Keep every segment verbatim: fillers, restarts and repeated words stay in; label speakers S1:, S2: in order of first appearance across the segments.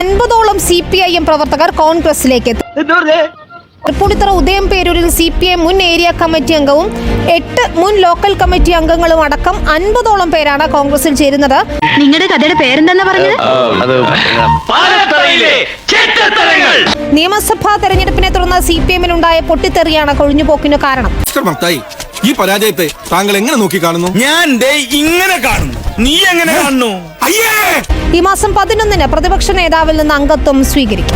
S1: അൻപതോളം C P I M പ്രവർത്തകർ കോൺഗ്രസിലേക്ക് എത്തി. തൃപ്പൂണിത്തുറ ഉദയംപേരൂരിൽ സി പി ഐ മുൻ ഏരിയ കമ്മിറ്റി അംഗവും എട്ട് മുൻ ലോക്കൽ കമ്മിറ്റി അംഗങ്ങളും അടക്കം അൻപതോളം പേരാണ് കോൺഗ്രസിൽ ചേരുന്നത്.
S2: നിങ്ങളുടെ കഥയുടെ പേരെന്താ പറഞ്ഞത്?
S1: നിയമസഭാ തെരഞ്ഞെടുപ്പിനെ തുടർന്ന് സി പി എമ്മിനുണ്ടായ പൊട്ടിത്തെറിയാണ് കൊഴിഞ്ഞുപോക്കിന് കാരണം.
S3: ഈ പരാജയത്തെ താങ്കൾ എങ്ങനെ നോക്കി കാണുന്നു?
S4: ഞാൻ ഇങ്ങനെ കാണുന്നു, നീ എങ്ങനെ കാണുന്നു?
S1: ഈ മാസം പതിനൊന്നിന് പ്രതിപക്ഷ നേതാവിൽ നിന്ന് അംഗത്വം സ്വീകരിക്കും.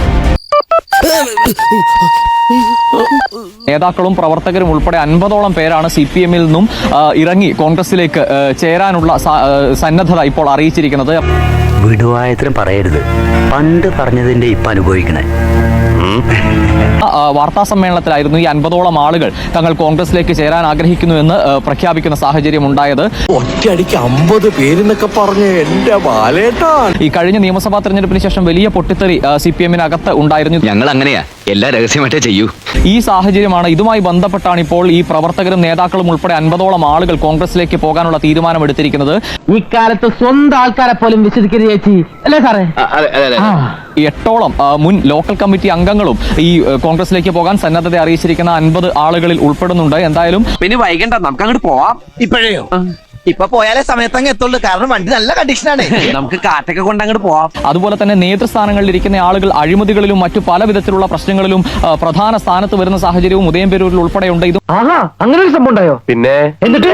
S5: നേതാക്കളും പ്രവർത്തകരും ഉൾപ്പെടെ അൻപതോളം പേരാണ് സി പി എമ്മിൽ നിന്നും ഇറങ്ങി കോൺഗ്രസിലേക്ക് ചേരാനുള്ള സന്നദ്ധത ഇപ്പോൾ അറിയിച്ചിരിക്കുന്നത്.
S6: വിടുവായത്തിനും പറയരുത്, പണ്ട് പറഞ്ഞതിന്റെ ഇപ്പൊ അനുഭവിക്കണേ.
S5: വാർത്താ സമ്മേളനത്തിലായിരുന്നു ഈ അൻപതോളം ആളുകൾ തങ്ങൾ കോൺഗ്രസിലേക്ക് ചേരാൻ ആഗ്രഹിക്കുന്നുവെന്ന് പ്രഖ്യാപിക്കുന്ന സാഹചര്യം ഉണ്ടായത്.
S4: ഒറ്റയടിക്ക് അമ്പത് പേരെന്നൊക്കെ പറഞ്ഞ് എന്റെ ബാലേട്ടാ.
S5: ഈ കഴിഞ്ഞ നിയമസഭാ തെരഞ്ഞെടുപ്പിന് ശേഷം വലിയ പൊട്ടിത്തെറി സി പി എമ്മിനകത്ത് ഉണ്ടായിരുന്നു.
S6: ഞങ്ങൾ അങ്ങനെയാ, എല്ലാ രഹസ്യമായിട്ടേ ചെയ്യൂ.
S5: ഈ സാഹചര്യമാണ്, ഇതുമായി ബന്ധപ്പെട്ടാണ് ഇപ്പോൾ ഈ പ്രവർത്തകരും നേതാക്കളും ഉൾപ്പെടെ അൻപതോളം ആളുകൾ കോൺഗ്രസിലേക്ക് പോകാനുള്ള തീരുമാനമെടുത്തിരിക്കുന്നത്.
S7: ഇക്കാലത്ത് സ്വന്തം ആൾക്കാരെ പോലും വിശ്വസിക്കരുത് ചേച്ചി, അല്ലേ സാറേ?
S5: എട്ടോളം മുൻ ലോക്കൽ കമ്മിറ്റി അംഗങ്ങളും ഈ കോൺഗ്രസിലേക്ക് പോകാൻ സന്നദ്ധത അറിയിച്ചിരിക്കുന്ന അൻപത് ആളുകളിൽ ഉൾപ്പെടുന്നുണ്ട്. എന്തായാലും
S7: പിന്നെ വൈകണ്ട, നമുക്ക് അങ്ങോട്ട് പോവാം.
S4: ഇപ്പോഴേയോ?
S7: ഇപ്പൊ പോയാലേ സമയത്തങ്ങ് എത്തുള്ളൂ, കാരണം വണ്ടി നല്ല കണ്ടീഷനാണ്. നമുക്ക് കാറ്റൊക്കെ കൊണ്ട് അങ്ങോട്ട് പോവാം.
S5: അതുപോലെ തന്നെ നേതൃസ്ഥാനങ്ങളിൽ ഇരിക്കുന്ന ആളുകൾ അഴിമതികളിലും മറ്റു പല വിധത്തിലുള്ള പ്രശ്നങ്ങളിലും പ്രധാന സ്ഥാനത്ത് വരുന്ന സാഹചര്യവും ഉദയംപേരൂരിൽ ഉൾപ്പെടെയുണ്ട്. ഇത്
S7: ആഹാ, അങ്ങനെ ഒരു സംഭവം ഉണ്ടായോ?
S3: പിന്നെ
S7: എന്നിട്ട്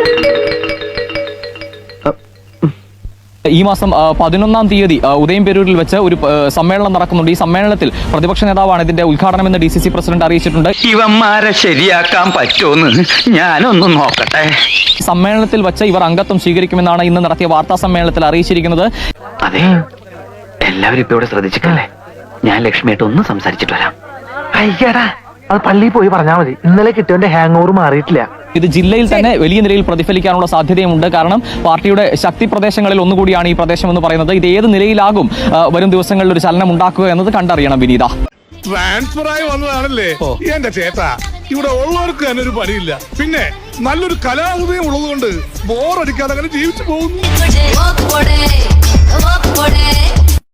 S5: ഈ മാസം പതിനൊന്നാം തീയതി ഉദയംപേരൂരിൽ വെച്ച് ഒരു സമ്മേളനം നടക്കുന്നുണ്ട്. ഈ സമ്മേളനത്തിൽ പ്രതിപക്ഷ നേതാവാണ് ഇതിന്റെ ഉദ്ഘാടനം എന്ന് ഡി സി സി പ്രസിഡന്റ് അറിയിച്ചിട്ടുണ്ട്.
S6: ഇവന്മാരെ ശരിയാക്കാൻ പറ്റുമെന്ന് ഞാനൊന്ന് നോക്കട്ടെ.
S5: സമ്മേളനത്തിൽ വെച്ച് ഇവർ അംഗത്വം സ്വീകരിക്കുമെന്നാണ് ഇന്ന് നടത്തിയ വാർത്താ സമ്മേളനത്തിൽ അറിയിച്ചിരിക്കുന്നത്.
S6: അതെ, എല്ലാവരും ഇപ്പൊ ഇവിടെ ശ്രദ്ധിച്ചിട്ടല്ലേ? ഞാൻ ലക്ഷ്മിയായിട്ട് ഒന്ന് സംസാരിച്ചിട്ട് വരാം.
S7: അയ്യടാ, അത് പള്ളിയിൽ പോയി പറഞ്ഞാൽ മതി. ഇന്നലെ കിട്ടിയവന്റെ ഹാങ് ഓവർ മാറിയിട്ടില്ല.
S5: ഇത് ജില്ലയിൽ തന്നെ വലിയ നിലയിൽ പ്രതിഫലിക്കാനുള്ള സാധ്യതയുമുണ്ട്. കാരണം പാർട്ടിയുടെ ശക്തി പ്രദേശങ്ങളിൽ ഒന്നുകൂടിയാണ് ഈ പ്രദേശം എന്ന് പറയുന്നത്. ഇത് ഏത് നിലയിലാകും വരും ദിവസങ്ങളിൽ ഒരു ചലനം ഉണ്ടാക്കുക എന്നത് കണ്ടറിയണം. വിനീത,
S3: ട്രാൻസ്ഫർ ആയി വന്നതാണല്ലേ എന്റെ ചേട്ടാ. ഇവിടെ ഉള്ളവർക്ക് തന്നെ ഒരു പണിയില്ല, പിന്നെ നല്ലൊരു കലാഹൃദയം ഉള്ളതുകൊണ്ട് ബോറടിക്കാതെ അങ്ങനെ ജീവിച്ചു പോകുന്നു.